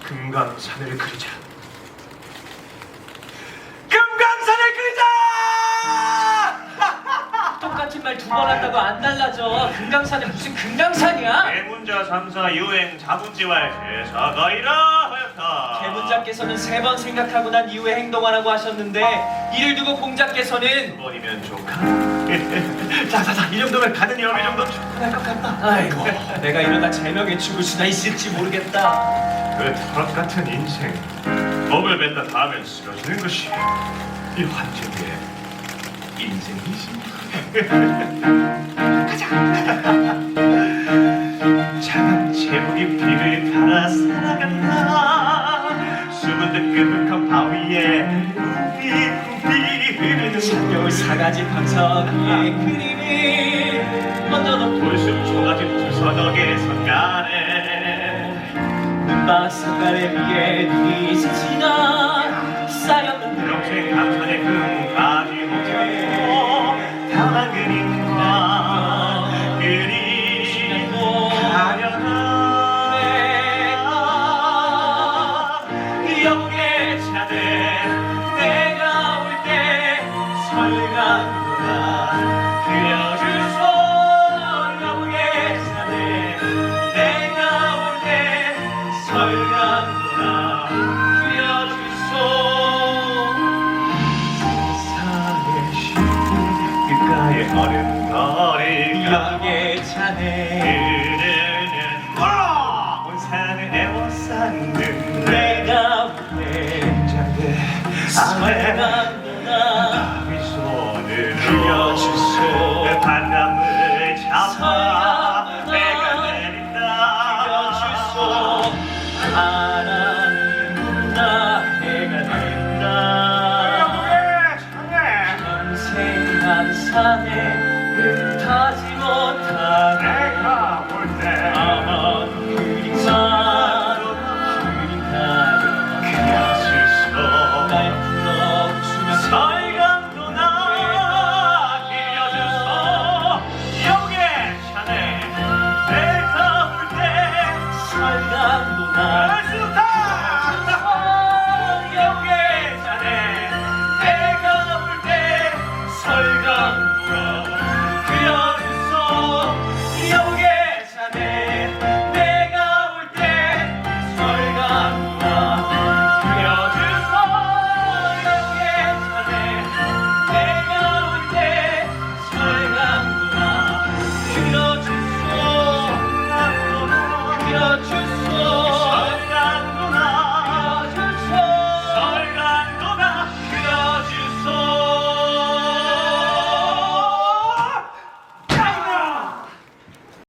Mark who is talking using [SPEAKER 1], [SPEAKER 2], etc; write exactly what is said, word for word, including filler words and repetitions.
[SPEAKER 1] 금강산을 그리자. 금강산을 그리자!
[SPEAKER 2] 똑같은 말 두 번 한다고 안 달라져. 금강산은 무슨 금강산이야?
[SPEAKER 1] 대문자 삼사 유행 자문지왈 제사가 이라하였다.
[SPEAKER 2] 대문자께서는 세 번 생각하고 난 이후에 행동하라고 하셨는데 이를 두고 공자께서는
[SPEAKER 1] 두 번이면 좋까? 자자자, 이 정도면 가는 여미 정도 충분할 것 같다.
[SPEAKER 2] 아이고 내가 이러다 제명에 죽을 수나 있을지 모르겠다.
[SPEAKER 1] 그 털업 같은 인생, 먹을 뱉다 닿으면 쓰러지는 것이 이 환경의 인생이지. 가자. 차갑 제목이 비를 따라 살아간다. 수분 뜨끈한 바위에 우비우비 흐르는
[SPEAKER 2] 산겨울 사가지 방석 위에 그림이 먼저도
[SPEAKER 1] 돌숲 초가집 두서덕에 선가네.
[SPEAKER 2] 눈밭 석가래 위에 눈이 스치나 쌓였는
[SPEAKER 1] 평생 감천의 금가지 못하고 다만 그림과 그리 가려나 영의 차대 내가 올 때 설강도가 그려주소. 영의 차대 내가 올 때 설강도가 그려주소. 세상의 시분 귓가에 얼음거리가
[SPEAKER 2] 영의 차네
[SPEAKER 1] 흐르는 걸어 온 산을 에워쌌는
[SPEAKER 2] 내가 볼때
[SPEAKER 1] 장대 아래
[SPEAKER 2] 설강도가
[SPEAKER 1] 윗손으로
[SPEAKER 2] 그려주소.
[SPEAKER 1] 바람을 잡아
[SPEAKER 2] 설강도가
[SPEAKER 1] 내가 내린다.
[SPEAKER 2] 그려주소. 바람이 나 해가 된다. 평생 한 산에 흩하지 못하네.
[SPEAKER 1] 내가 볼때
[SPEAKER 2] 아마 그림만 그림 가려
[SPEAKER 1] 그려주소.
[SPEAKER 2] 날 불러주면
[SPEAKER 1] 설강도나 그려주소. 영의 차네 내가 볼때
[SPEAKER 2] 설강도나
[SPEAKER 1] 영의 차네 내가 볼때 설강도나 그려주소. 영의 차네 내가 볼때 설강도나 그려주소. 영의 차네 내가 볼때 설강도나 그려주소. 그려주소.